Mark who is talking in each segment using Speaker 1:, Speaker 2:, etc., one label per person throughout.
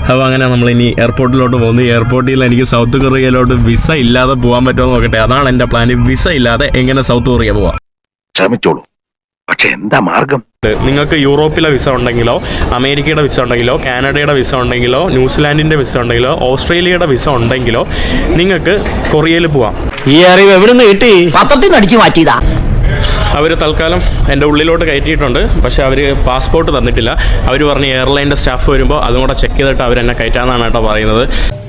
Speaker 1: അപ്പോൾ അങ്ങനെ നമ്മളിനി എയർപോർട്ടിലോട്ട് പോകുന്നു. എയർപോർട്ടിൽ എനിക്ക് സൗത്ത് കൊറിയയിലോട്ട് വിസ ഇല്ലാതെ പോകാൻ പറ്റുമോ നോക്കട്ടെ. അതാണ് എൻ്റെ പ്ലാൻ. വിസ ഇല്ലാതെ എങ്ങനെ സൗത്ത് കൊറിയ പോവാം.
Speaker 2: ശ്രമിച്ചോളൂ, പക്ഷെ എന്താ മാർഗം?
Speaker 1: നിങ്ങൾക്ക് യൂറോപ്പിലെ വിസ ഉണ്ടെങ്കിലോ, അമേരിക്കയുടെ വിസ ഉണ്ടെങ്കിലോ, കാനഡയുടെ വിസ ഉണ്ടെങ്കിലോ, ന്യൂസിലാൻഡിൻ്റെ വിസ ഉണ്ടെങ്കിലോ, ഓസ്ട്രേലിയയുടെ വിസ ഉണ്ടെങ്കിലോ നിങ്ങൾക്ക് കൊറിയയിൽ പോവാം.
Speaker 3: ഈ അറിവ് എവിടെ നിന്ന് കിട്ടി?
Speaker 4: പത്രത്തിൽ നിന്ന് അടിച്ചു മാറ്റിയതാ.
Speaker 1: അവർ തൽക്കാലം എൻ്റെ ഉള്ളിലോട്ട് കയറ്റിയിട്ടുണ്ട്. പക്ഷേ അവർ പാസ്പോർട്ട് തന്നിട്ടില്ല. അവർ പറഞ്ഞ് എയർലൈൻ്റെ സ്റ്റാഫ് വരുമ്പോൾ അതും കൂടെ ചെക്ക് ചെയ്തിട്ട് അവരെന്നെ കയറ്റാമെന്നാണ് കേട്ടോ പറയുന്നത്.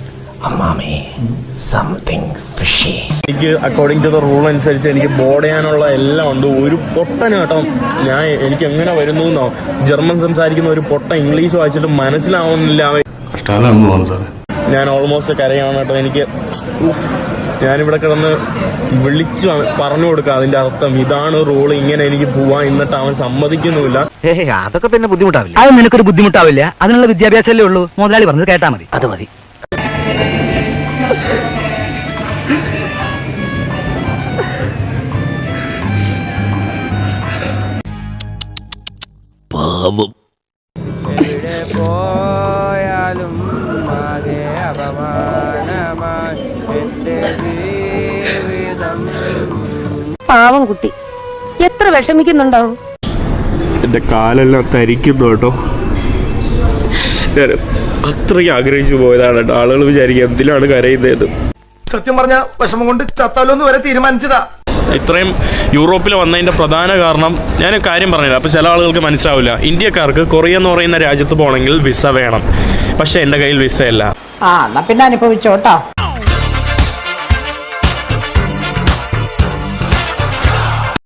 Speaker 1: എനിക്ക് അക്കോർഡിംഗ് ടു ദ റൂൾ അനുസരിച്ച് എനിക്ക് ബോർഡ് ചെയ്യാനുള്ള എല്ലാം ഉണ്ട്. ഒരു പൊട്ടന് കേട്ടോ എനിക്ക് എങ്ങനെ വരുന്നു എന്നോ, ജർമ്മൻ സംസാരിക്കുന്ന ഒരു പൊട്ട ഇംഗ്ലീഷ് വായിച്ചിട്ട് മനസ്സിലാവുന്നില്ല. ഞാൻ ഓൾമോസ്റ്റ് കരയാണ് കേട്ടോ. എനിക്ക് ഞാനിവിടെ കിടന്ന് വിളിച്ചു പറഞ്ഞു കൊടുക്കുക അതിന്റെ അർത്ഥം ഇതാണ് റൂൾ, ഇങ്ങനെ എനിക്ക് പോവാൻ. എന്നിട്ട് അവൻ സമ്മതിക്കുന്നുമില്ല.
Speaker 4: അതൊക്കെ പിന്നെ ബുദ്ധിമുട്ടാവില്ല.
Speaker 5: അത് നിനക്കൊരു ബുദ്ധിമുട്ടാവില്ല. അതിനുള്ള വിദ്യാഭ്യാസമല്ലേ ഉള്ളൂ. മുതലാളി പറഞ്ഞത് കേട്ടാ മതി. അത് മതി.
Speaker 6: പോയാലും ആകെ അപമാനമായി എന്റെ ജീവിതം.
Speaker 7: പാവം കുട്ടി എത്ര വിഷമിക്കുന്നുണ്ടാവും.
Speaker 1: എന്റെ കാലെല്ലാം തരിക്കുന്നു കേട്ടോ. ഞാൻ അത്രയ്ക്ക് ആഗ്രഹിച്ചു പോയതാണ് കേട്ടോ. ആളുകൾ വിചാരിക്കുക എന്തിനാണ് കരയുന്നത്.
Speaker 3: സത്യം പറഞ്ഞ വിഷമം കൊണ്ട് ചത്താലോന്ന് വരെ തീരുമാനിച്ചതാ.
Speaker 1: ഇത്രയും യൂറോപ്പിൽ വന്നതിൻ്റെ പ്രധാന കാരണം ഞാൻ കാര്യം പറഞ്ഞില്ല. അപ്പോൾ ചില ആളുകൾക്ക് മനസ്സിലാവില്ല. ഇന്ത്യക്കാർക്ക് കൊറിയ എന്ന് പറയുന്ന രാജ്യത്ത് പോകണമെങ്കിൽ വിസ വേണം. പക്ഷേ എൻ്റെ കയ്യിൽ വിസ ഇല്ല.
Speaker 4: എന്നാ പിന്നെ അനുഭവിച്ചോട്ടോ.